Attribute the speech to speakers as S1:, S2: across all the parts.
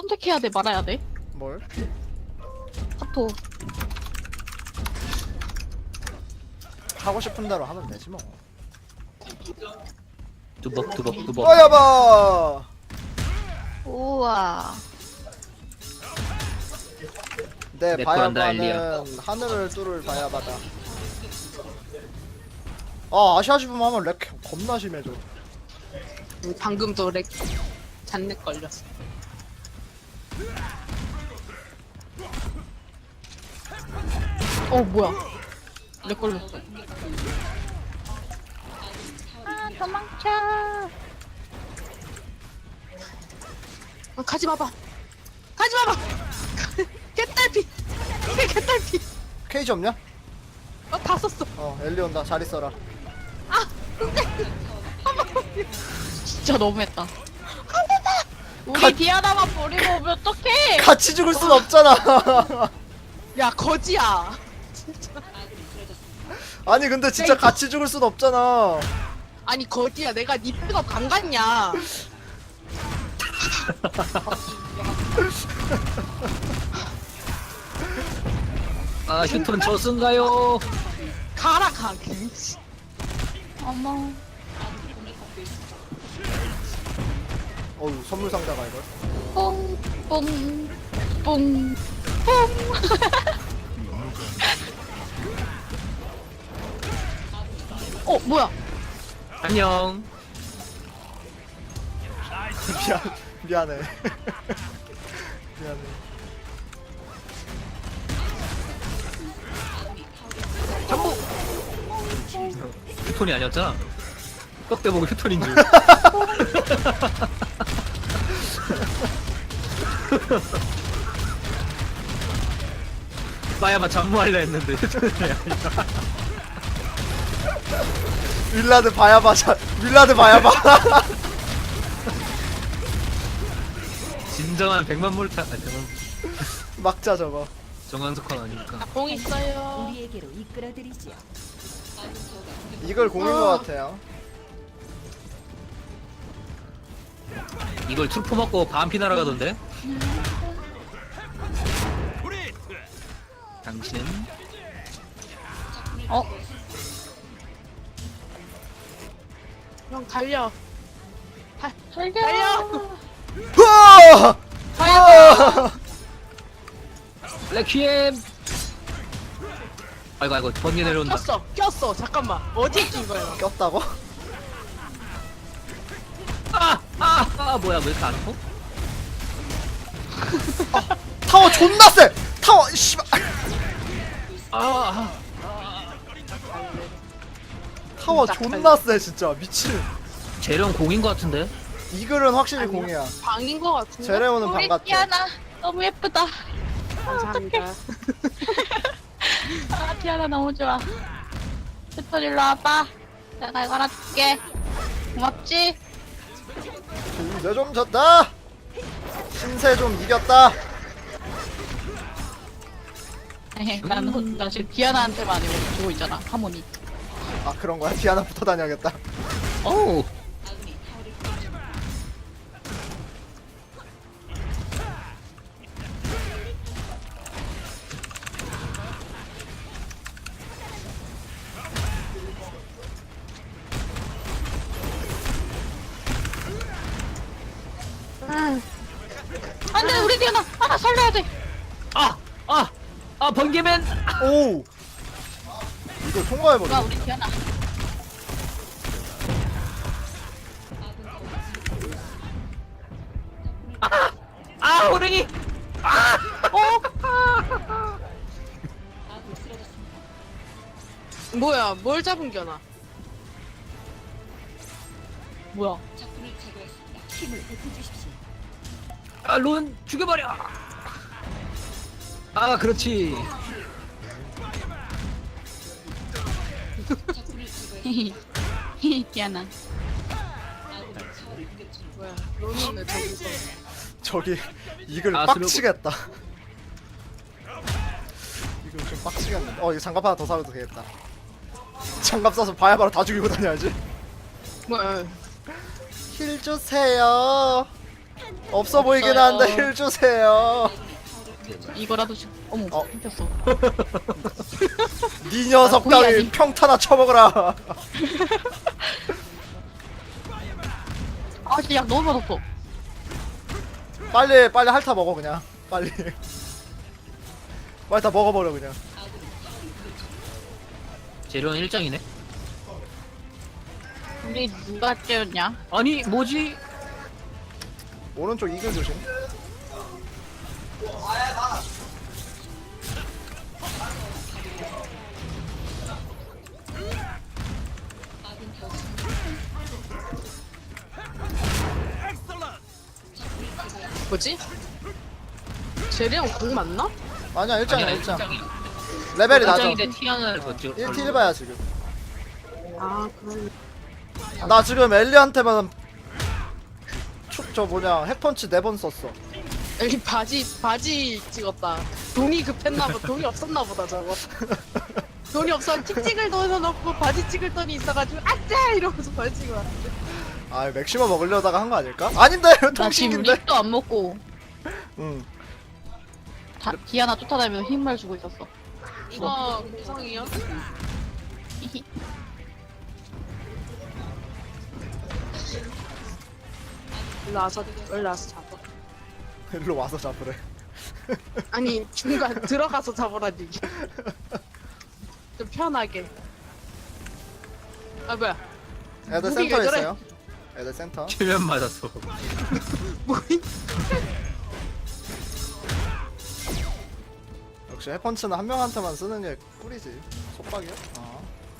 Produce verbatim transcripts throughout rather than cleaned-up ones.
S1: 선택해야 돼, 말아야 돼?
S2: 뭘?
S1: 카톡.
S2: 하고 싶은 대로 하면 되지 뭐.
S3: 두벅 두벅 두벅.
S2: 어여봐.
S1: 우와.
S2: 내
S3: 내 거란다,
S2: 바야바는 하늘을 뚫을 바야바다. 아 아시아시վում 하면 렉 겁나 심해져.
S4: 방금도 렉 잔뜩 걸렸어.
S1: 어, 뭐야. 렉 걸렸어. 아, 도망쳐.
S4: 아, 가지 마봐. 가지 마봐. 개딸피. 이게 개딸피.
S2: 케이지 없냐?
S4: 어, 다 썼어.
S2: 어 엘리 온다. 잘 있어라.
S1: 진짜 너무했다. 우리
S2: 가-
S1: 디아나만 버리고 오면 어떡해?
S2: 같이 죽을 순 없잖아.
S4: 야, 거지야.
S2: 아니 근데 진짜 같이 죽을 순 없잖아.
S4: 아니, 거지야. 내가 니 픽업 안 갔냐.
S3: 아 휴톤 저승가요?
S4: 가라, 가. 씨.
S1: 어머.
S2: 어우 선물 상자가 이걸.
S1: 뽕, 뽕, 뽕, 뽕. 어, 뭐야?
S3: 안녕.
S2: 미안 미안해. 미안해.
S3: 휴톤이 아니었잖아. 껍데 보고 휴톤인 줄. 마야마 잠무할려 했는데 휴톤이 아니야.
S2: 윌라드 바야바 자 윌라드 바야바.
S3: 진정한 백만 몰타. 아 백만
S2: 막자 저거.
S3: 정한석환 아니니까.
S4: 공 있어요.
S5: 우리에게로 이끌어드리지요.
S2: 이걸 공인 것 같아요.
S3: 이걸 트루프 먹고 반피 날아가던데? 당신
S1: 어,
S4: 형, 달려.
S1: 달려.
S4: 달려.
S2: 으아! 으아!
S3: 레퀴엠. 아이고 아이고 번개 내려온다.
S4: 꼈어. 꼈어. 잠깐만. 어디에 낀 거야?
S2: 꼈다고?
S3: 아아아 아, 아, 뭐야 왜 이렇게 안 아파?
S2: 타워 존나 세! 타워 씨발.
S3: 아,
S2: 타워 존나 세 진짜 미친.
S3: 재령 공인 것 같은데?
S2: 이글은 확실히
S4: 아니야.
S2: 공이야.
S4: 방인 거 같은데.
S2: 제레오는 방
S1: 우리
S2: 같아.
S1: 디아나 너무 예쁘다.
S4: 감사합니다.
S1: 아, 디아나 너무 좋아. 스토 일로 와봐. 내가 이거 하나 줄게. 고맙지?
S2: 이제 좀 졌다. 신세 좀 이겼다.
S1: 에헤, 난, 혼- 나 지금 디아나한테만 이거 주고 있잖아. 하모니.
S2: 아 그런 거야? 디아나 붙어 다녀야겠다.
S3: 어우
S1: 안 돼, 우리 디아나! 아, 살려야 돼!
S3: 아! 아! 아 번개맨!
S2: 오. 이거
S1: 야,
S2: 통과해버려.
S1: 우리 디아나.
S3: 아 호랭이!
S4: 뭐야? 뭘 잡은 겨나?
S1: 뭐야?
S5: 힘을 베풀주십시오.
S3: 아론 죽여버려! 아 그렇지.
S1: 히히. 히히, 디아나.
S4: 뭐야? 로는 저기서.
S2: 저기 이글
S3: 아,
S2: 빡치겠다. 이글 좀 빡치겠네. 어 이거 장갑 하나 더 사도 되겠다. 장갑 사서 바야바로 다 죽이고 다녀야지.
S4: 뭐야?
S2: 힐 주세요. 없어 보이긴
S1: 없어요.
S2: 한데 힐 주세요.
S1: 이거라도 주... 어머
S2: 어.
S1: 생겼어.
S2: 니 녀석
S1: 아, 고의
S2: 따위
S1: 아님.
S2: 평타나 쳐먹어라.
S1: 아 진짜 약 너무 맛없어.
S2: 빨리 빨리 핥아 먹어 그냥. 빨리. 빨리 다 먹어버려 그냥.
S3: 재료는 일장이네.
S1: 우리 누가 째였냐?
S3: 아니 뭐지?
S2: 오른쪽 이글 조심.
S4: 뭐지? 제리랑 공 맞나?
S2: 아니야 일장이야
S3: 아니야,
S2: 일장.
S3: 일장이.
S2: 레벨이 낮아.
S3: 일장인데 티안을 걷지.
S2: 일 티 일 봐야 지금.
S4: 아 그럼
S2: 나 지금 엘리한테만 초, 저 뭐냐 핵펀치 네 번 썼어.
S4: 여기 바지 바지 찍었다. 돈이 급했나 봐. 돈이 없었나 보다 저거. 돈이 없어 틱찍을 넣어놓고 바지 찍을 돈이 있어가지고 아짜 이러면서 바지 찍어 왔는데.
S2: 아 맥시멈 먹으려다가 한 거 아닐까? 아닌데
S1: 나 지금
S2: 통신인데.
S1: 립도 안 먹고
S2: 응.
S1: 다, 디아나 쫓아다니면서 힘을 주고 있었어.
S4: 이거 공성이요?
S1: 히히.
S4: 일로 와서 일로 와서 잡아.
S2: 일로 와서 잡으래.
S4: 아니 중간 들어가서 잡으라니. 좀 편하게. 아 뭐야?
S2: 애들
S4: 무기가
S2: 센터
S4: 저래.
S2: 있어요. 애들 센터.
S3: 최면 맞았어.
S4: 뭐이?
S2: 역시 핵펀치는 한 명한테만 쓰는 게 꿀이지. 속박이야? 아.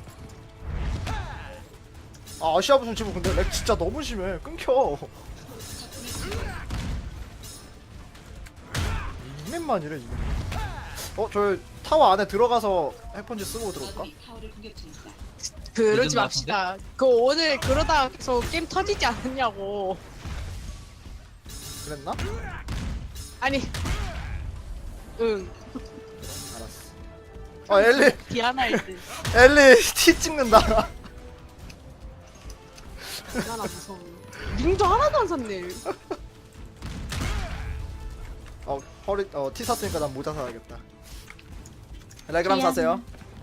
S2: 아 아시아 무슨 지금 근데 렉 진짜 너무 심해. 끊겨. 이맨만이래 이맨. 어, 저 타워 안에 들어가서 핵펀치 쓰고 들어올까?
S4: 그러지
S3: 믿음
S4: 맙시다. 그 오늘 그러다 계속 게임 터지지 않았냐고.
S2: 그랬나?
S4: 아니. 응.
S2: 알았어. 어 엘리
S4: 디아나이드.
S2: 엘리 티 찍는다.
S4: 디아나 무서워. 링도 하나도 안 샀네.
S2: 어 허리 어티 샀으니까 난 모자 사야겠다. 레그람 사세요.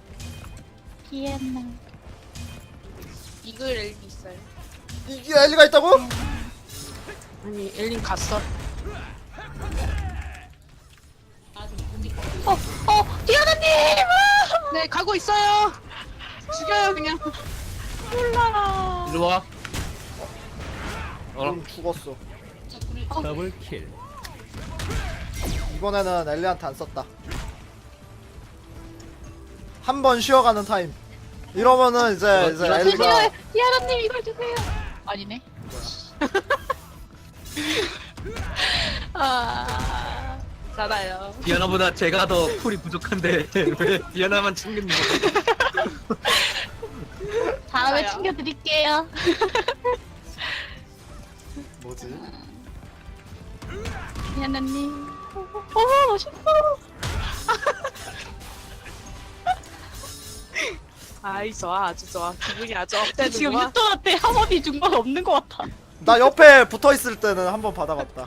S1: 디아나.
S4: 이글 엘리 있어요.
S2: 이게 엘리가 있다고?
S4: 아니 엘린 갔어.
S1: 어, 어, 디아나님! 아!
S4: 네 가고 있어요. 죽여요 그냥.
S1: 몰라.
S3: 일로 와. 어.
S2: 그럼 죽었어.
S3: 더블킬.
S2: 이번에는 엘리한테 안 썼다. 한 번 쉬어가는 타임. 이러면은 이제
S3: 어,
S2: 이제
S3: 이거
S2: 엘리가
S1: 주세요, 디아나님 이걸 주세요. 아니네. 아,
S4: 잘아요.
S3: 디아나보다 제가 더 풀이 부족한데 왜 디아나만 챙기는 거야?
S1: 다음에
S4: 맞아요.
S1: 챙겨드릴게요.
S2: 뭐지?
S1: 디아나님. 어, 멋있어.
S4: 아이 좋아 아주 좋아. 기분이 아주 업되는
S1: 지금
S4: 거야.
S1: 유토한테 하모니 준 건 없는 것 같아.
S2: 나 옆에 붙어 있을 때는 한 번 받아봤다.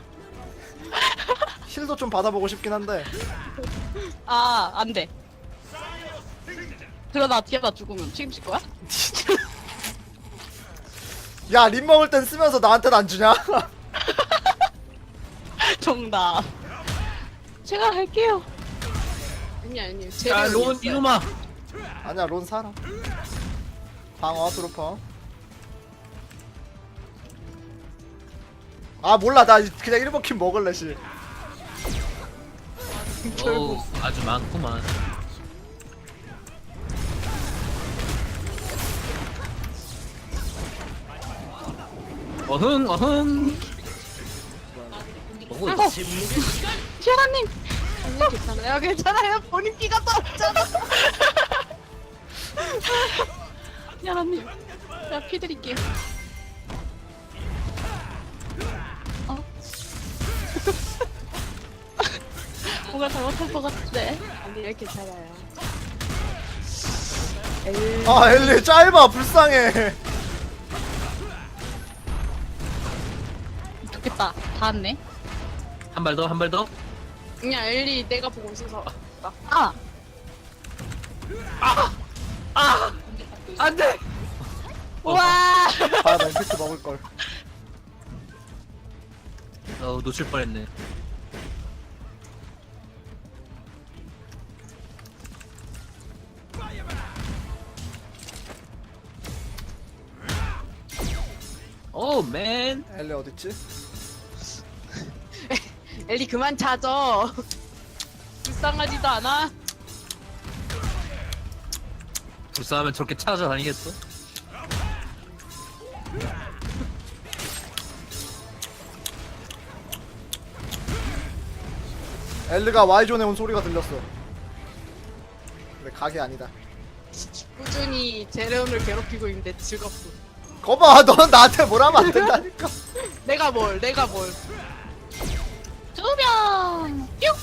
S2: 힐도 좀 받아보고 싶긴 한데.
S1: 아, 안 돼. 그러다 디아나 죽으면 책임질 거야?
S2: 야, 림 먹을 땐 쓰면서 나한테는 안 주냐?
S1: 정답. 제가 할게요.
S4: 아니 아니.
S3: 야, 론 이놈아.
S2: 아니야, 론 살아. 방어 트루퍼. 아 몰라, 나 그냥 일 번 킴 먹을래 씨.
S3: 어우, 아주 많구만. 어흥 어흥. 어흥.
S1: 어, 디아나님.
S4: 아니 괜찮아요 괜찮아요. 본인 피가 떨어졌잖아.
S1: 디아나님. 제가 피 드릴게요. 어? 뭔가 잘못할 것 같은데.
S4: 아니 괜찮아요.
S2: 아 엘리 짧아, 불쌍해.
S1: 됐다. 다 왔네.
S3: 한 발 더, 한 발 더.
S4: 그냥 엘리 내가 보고 있어서.
S1: 아!
S3: 안 돼!
S1: 우와!
S2: 아, 나 임팩트 먹을걸.
S3: 어, 놓칠 뻔했네. 오, 맨.
S2: 엘리 어딨지?
S4: 엘리 그만 찾아. 불쌍하지도 않아.
S3: 불쌍하면 저렇게 찾아다니겠어?
S2: 엘리가 Y존에 온 소리가 들렸어. 근데 각이 아니다.
S4: 꾸준히 제레온을 괴롭히고 있는데 즐겁고.
S2: 거봐, 넌 나한테 뭘 하면 안 된다니까.
S4: 내가 뭘, 내가 뭘.
S1: 두 명! 뿅!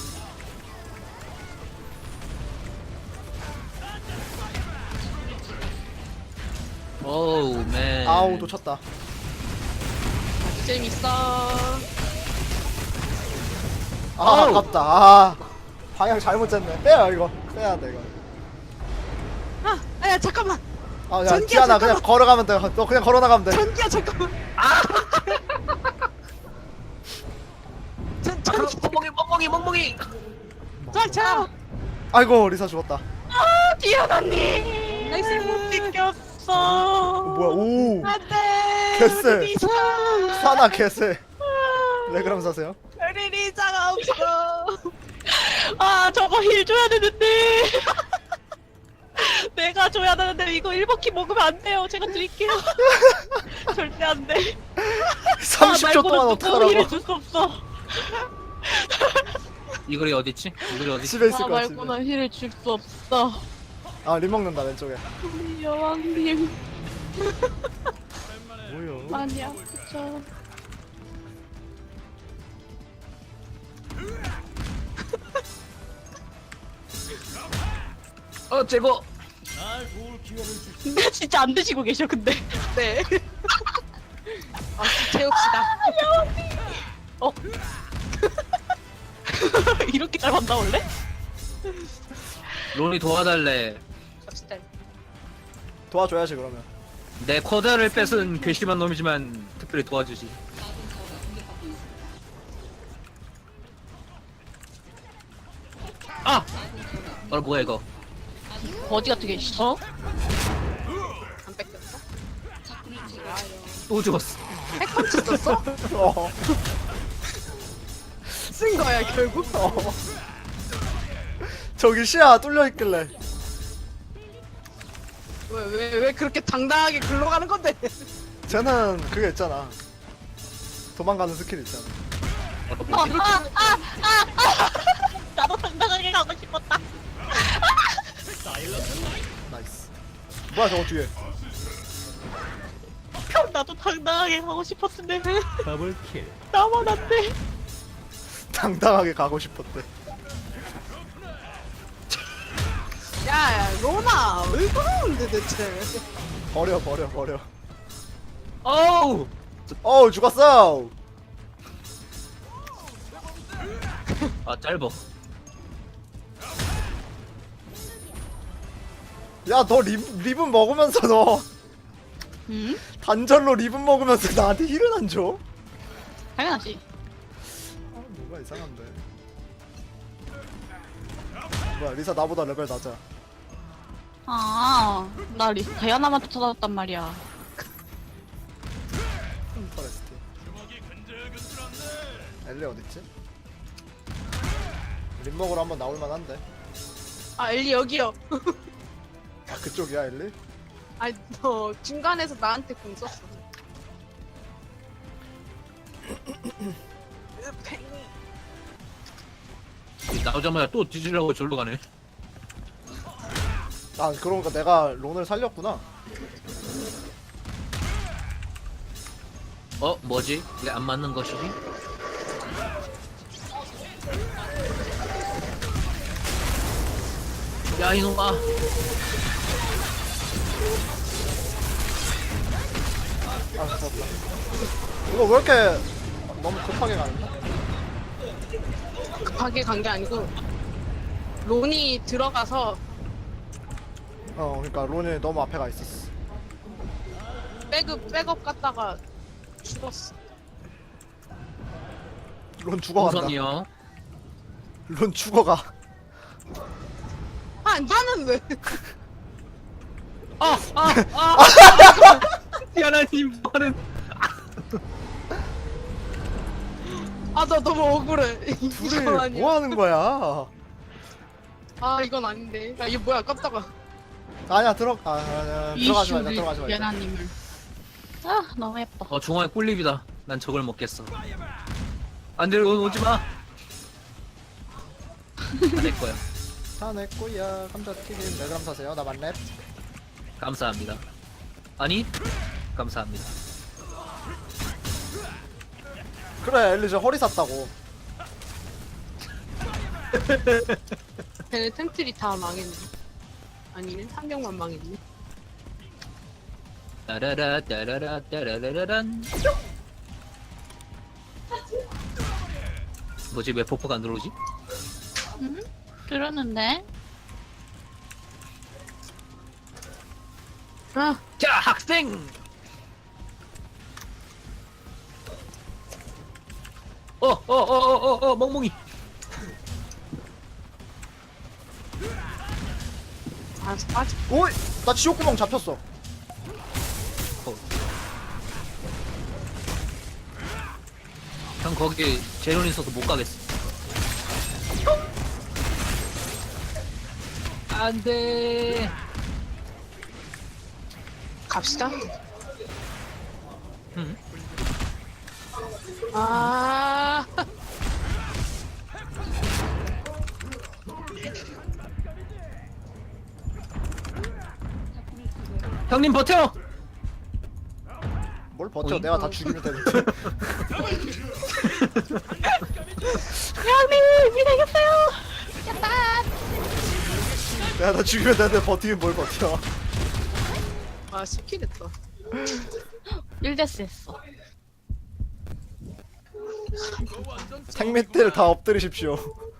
S3: 오우, 맨.
S2: 아우, 놓쳤다.
S4: 아주 재밌어.
S2: 아,
S3: 아우.
S2: 아깝다. 아, 방향 잘못 쟀네. 빼야 이거. 빼야 돼 이거.
S4: 아, 아야 잠깐만.
S2: 아, 야,
S4: 전기야,
S2: 티아나 그냥
S4: 잠깐만.
S2: 걸어가면 돼. 너 그냥 걸어 나가면 돼.
S4: 전기야 잠깐만. 전
S3: 아,
S4: 전기.
S3: 멍멍이, 멍멍이, 멍멍이.
S4: 자, 자.
S2: 아이고, 리사 죽었다.
S1: 아, 디아나님! 나이스 못 비켰어.
S2: 어, 뭐야? 오,
S4: 안돼.
S2: 개쎄.
S4: 리사.
S2: 사나 개쎄. 네 그럼 사세요.
S4: 우리 리사가 없어.
S1: 아, 저거 힐 줘야 되는데. 내가 줘야 되는데 이거 일 버키 먹으면 안 돼요. 제가 드릴게요. 절대 안 돼.
S2: 삼십 초 동안 어떡하라고.
S1: 힐을 줄 수 없어.
S3: 이글이 어딨지? 이글이 어딨지?
S2: 집에 있을
S1: 나
S2: 것 같은데.
S1: 말고는 힐을 줄 수 없어.
S2: 아, 림 먹는다 왼쪽에.
S1: 우리 여왕님
S2: 뭐요?
S1: 많이 아프죠.
S3: 어, 제거.
S1: 근데 진짜 안 드시고 계셔 근데.
S4: 네. 아, 채웁시다.
S1: 어? 이렇게 잘 만나 원래?
S3: 론이 도와달래.
S4: 갑시다.
S2: 도와줘야지 그러면.
S3: 내 쿼드를 뺏은 괘씸한 놈이지만 특별히 도와주지. 아! 어, 뭐야 이거?
S1: 거지 같은 게 있어?
S4: 안 뺏겼어?
S3: 또 죽었어.
S4: 핵펀치 썼어?
S2: 어.
S4: 쓴 거야 결국?
S2: 어. 저기 시야 뚫려 있길래.
S4: 왜 왜 왜 그렇게 당당하게 글로 가는 건데?
S2: 쟤는 그게 있잖아. 도망가는 스킬 있잖아.
S1: 아, 아, 아, 아, 아. 나도 당당하게 가고 싶었다.
S2: 나이스. 뭐야 저거 뒤에.
S1: 나도 당당하게 가고 싶었는데 더블킬. 나만 안 돼.
S2: 당당하게 가고 싶었대.
S4: 야, 야 로나 왜 그러는데 대체?
S2: 버려 버려 버려.
S3: 어우!
S2: 어우 죽었어.
S3: 아, 짧어.
S2: 야 너 립은 먹으면서 너
S1: 응?
S2: 단절로 립은 먹으면서 나한테 힐은 안 줘?
S1: 당연하지.
S2: 아 뭐가 이상한데. 뭐야 리사 나보다 레벨 낮아.
S1: 아, 나 리, 다이아나만 쫓아다녔단 말이야.
S2: 포레스트. 엘리 어딨지? 립 먹으러 한번 나올 만한데.
S4: 아 엘리 여기요.
S2: 아 그쪽이야 엘리?
S4: 아니 너 중간에서 나한테 공 썼어.
S3: 나오자마자 또 뒤지려고 절로 가네.
S2: 아 그러니까 내가 론을 살렸구나.
S3: 어, 뭐지? 이게 안 맞는 것이지? 야, 이놈아.
S2: 아 무섭다. 이거 왜 이렇게 너무 급하게 가는데?
S4: 급하게 간 게 아니고 론이 들어가서
S2: 어 그러니까 론이 너무 앞에 가 있었어.
S4: 백업 백업 갔다가 죽었어.
S2: 론 죽어간다.
S3: 우선이요.
S2: 론 죽어가.
S4: 아 나는 왜?
S3: 아, 아, 아. 디아나님 뭐는?
S4: 아 나 너무 억울해. 이건
S2: 둘이
S4: 아니야.
S2: 뭐 하는 거야?
S4: 아 이건 아닌데. 야 이게 뭐야 깜짝아.
S2: 아니야 들어 아, 아, 들어가지 말자 들어가지 말자.
S1: 연하님을. 아 너무 예뻐.
S3: 어, 중앙에 꿀립이다. 난 저걸 먹겠어. 안돼, 오, 오지 마. 다내 거야.
S2: 다 내 거야. 감자튀김 네 그램 사세요. 나 만렙.
S3: 감사합니다. 아니, 감사합니다.
S2: 그래 엘리저 허리 샀다고.
S4: 걔네 템트리 다 망했네. 아니네 한 명만 망했네.
S3: 따라라 따라라 따라라란. 뭐지, 왜 폭포가 안 들어오지?
S1: 음? 들었는데.
S4: 아
S3: 자, 학생. 어, 어, 어, 어, 어, 어, 멍멍이.
S4: 알았어 빠져.
S2: 오이 나 지옥구멍 잡혔어.
S3: 어. 형 거기 제론 있어서 못 가겠어. 안돼.
S4: 갑시다.
S3: 응.
S4: 아
S3: 형님 버텨.
S2: 뭘 버텨?
S3: 어이?
S2: 내가 다 죽이면 되는데.
S1: 연하님 미래겠어요. 야빠.
S2: 내가 다 죽이면 되는데 버티면 뭘 버텨?
S4: 아 스킬 했다.
S1: 일 데스 했어.
S2: 생мет대를 다 엎드리십시오.